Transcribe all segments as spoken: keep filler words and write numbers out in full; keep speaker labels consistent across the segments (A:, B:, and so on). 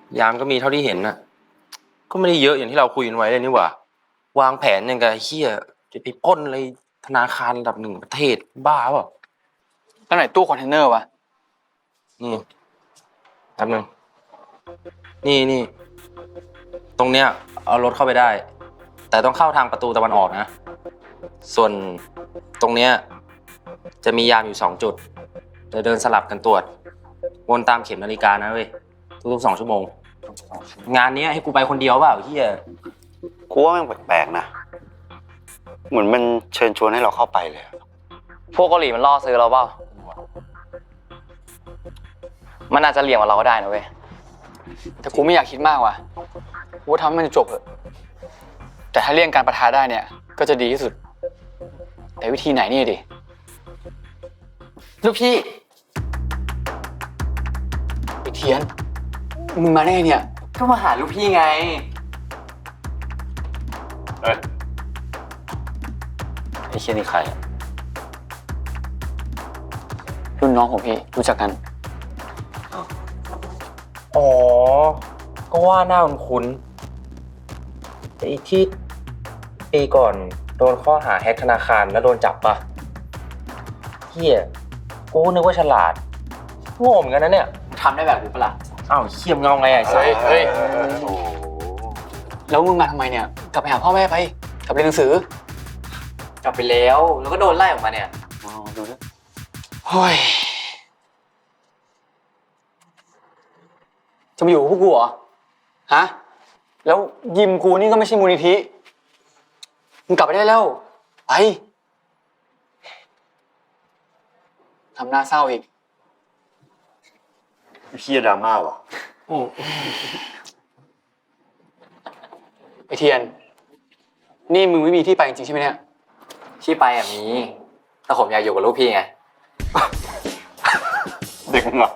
A: ยามก็มีเท่าที่เห็นน่ะก็ไม่ได้เยอะอย่างที่เราคุยกันไว้เลยนี่หว่าวางแผนอย่างกับเฮียจะไปปล้นอะไรธนาคารระดับหนึ่งประเทศบ้าเปล่า
B: แล้วไหนตู้คอนเทนเนอร์วะ
A: นี่แป๊บนึงนี่นี่ตรงเนี้ยเอารถเข้าไปได้แต่ต้องเข้าทางประตูตะวันออกนะส่วนตรงเนี้ยจะมียามอยู่สองจุดจะเดินสลับกันตรวจวนตามเข็มนาฬิกานะเว้ยทุกๆสองชั่วโมงงานนี้ให้กูไปคนเดียวเปล่าเฮีย
C: กูว่าแม่งแปลกๆนะเหมือนมันเชิญชวนให้เราเข้าไปเลย
B: พวกเกาหลีมันล่อซื้อเราเปล่ามันอาจจะเหลี่ยมกับเราก็ได้นะเว้ยแต่กูไม่อยากคิดมากว่ะกูทำให้มันจบเถอะแต่ถ้าเลี่ยงการประทะได้เนี่ยก็จะดีที่สุดแต่วิธีไหนนี่ดิลูกพี่ไอ้เทียนมึงมาได้ไงเนี่ยก็มาหาลูกพี่ไง
C: เอ้ยไอ้เชี่ยนี่ใคร
B: รุ่นน้องของพี่รู้จักกัน
A: อ๋อก็ว่าหน้าคุ้นไอ้ที่ปีก่อนโดนข้อหาแฮกธนาคารแล้วโดนจับปะเฮียกูนึกว่าฉลาดโง่เหมือนกันนะเนี่ย
B: ทำได้แบบกูปะล่ะ
A: อ้าวเขี้ยมเงาไงไอ้สัส
B: เฮ้ยแล้วมึงมาทำไมเนี่ยกลับไปหาพ่อแม่ไปกลับเรียนหนังสือกลับไปแล้วแล้วก็โดนไล่ออกมาเนี่ยอ๋อดูด้วยเฮ้ยจะมาอยู่กับพวกกูเหรอฮะแล้วยิมกูนี่ก็ไม่ใช่มูลนิธิมึงกลับไปได้แล้วไปทำหน้าเศร้าอีก
C: เชี่ยดราม่าวะ
B: ไอเทียนนี่มึงไม่มีที่ไปจริงๆใช่ไหมเนี่ยที่ไปอ่ะมีแต่ผมอยากอยู่กับลูกพี่ไง
C: เด็กมึงเหรอ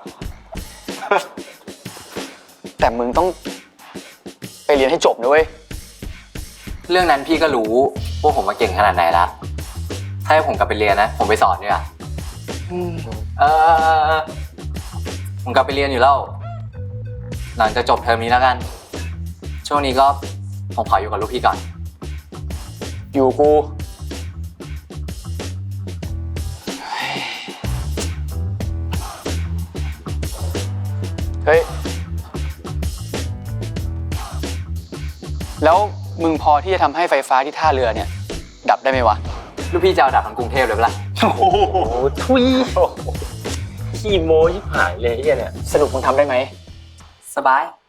B: แต่มึงต้องไปเรียนให้จบนะเว้ยเรื่องนั้นพี่ก็รู้ว่าผมมาเก่งขนาดไหนละถ้าให้ผมกลับไปเรียนนะผมไปสอนเนี่ยเออผมกลับไปเรียนอยู่แล้วหลังจากจบเทอมนี้แล้วกันช่วงนี้ก็ผมขออยู่กับลูกพี่ก่อนอยู่กูเฮ้ยแล้วมึงพอที่จะทำให้ไฟฟ้าที่ท่าเรือเนี่ยดับได้ไหมวะลูกพี่จะเอาดับทั้งกรุงเทพเลยปะล่ะ
A: โอ้โหทุยขี้โม้ชิบหายเลยไอ้เนี่ย
B: สรุปมึงทำได้ไหมสบาย